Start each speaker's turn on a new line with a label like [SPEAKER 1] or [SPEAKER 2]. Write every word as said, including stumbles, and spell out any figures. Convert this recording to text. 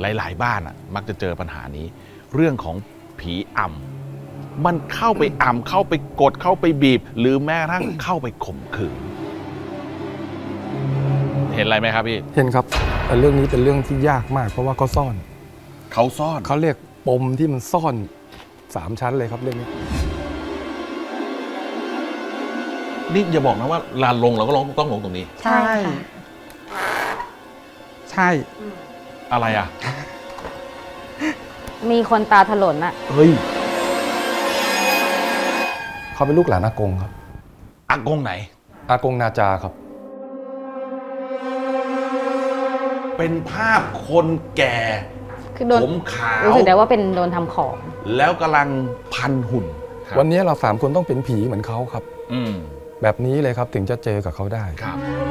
[SPEAKER 1] หลายๆบ้านอ่ะมักจะเจอปัญหานี้เรื่องของผีอำมันเข้าไปอำเข้าไปกดเข้าไปบีบ หรือแม้กระทั่งเข้าไปข่มขืนเห็นอะไรไหมครับพี่
[SPEAKER 2] เห็นครับแต่เรื่องนี้เป็นเรื่องที่ยากมากเพราะว่าเขาซ่อน
[SPEAKER 1] เขาซ่อน
[SPEAKER 2] เขาเรียกปมที่มันซ่อนสามชั้นเลยครับเรื่องนี้
[SPEAKER 1] นี่อย่าบอกนะว่าลานลงเราก็ลงต้องลงตรงนี้
[SPEAKER 3] ใช่
[SPEAKER 2] ใช่
[SPEAKER 1] อะไรอ่ะ
[SPEAKER 3] มีคนตาถลนอะ
[SPEAKER 1] เฮ้ย
[SPEAKER 2] เขาเป็นลูกหลานอากงครับ
[SPEAKER 1] อากงไหน
[SPEAKER 2] อากงนาจาครับ
[SPEAKER 1] เป็นภาพคนแก่
[SPEAKER 3] คือโดน
[SPEAKER 1] ผมขาว
[SPEAKER 3] รู้สึกได้ว่าเป็นโดนทำของ
[SPEAKER 1] แล้วกำลังพันหุ่น
[SPEAKER 2] วันนี้เราสามคนต้องเป็นผีเหมือนเขาครับ
[SPEAKER 1] อืม
[SPEAKER 2] แบบนี้เลยครับถึงจะเจอกับเขาได้
[SPEAKER 1] ครับ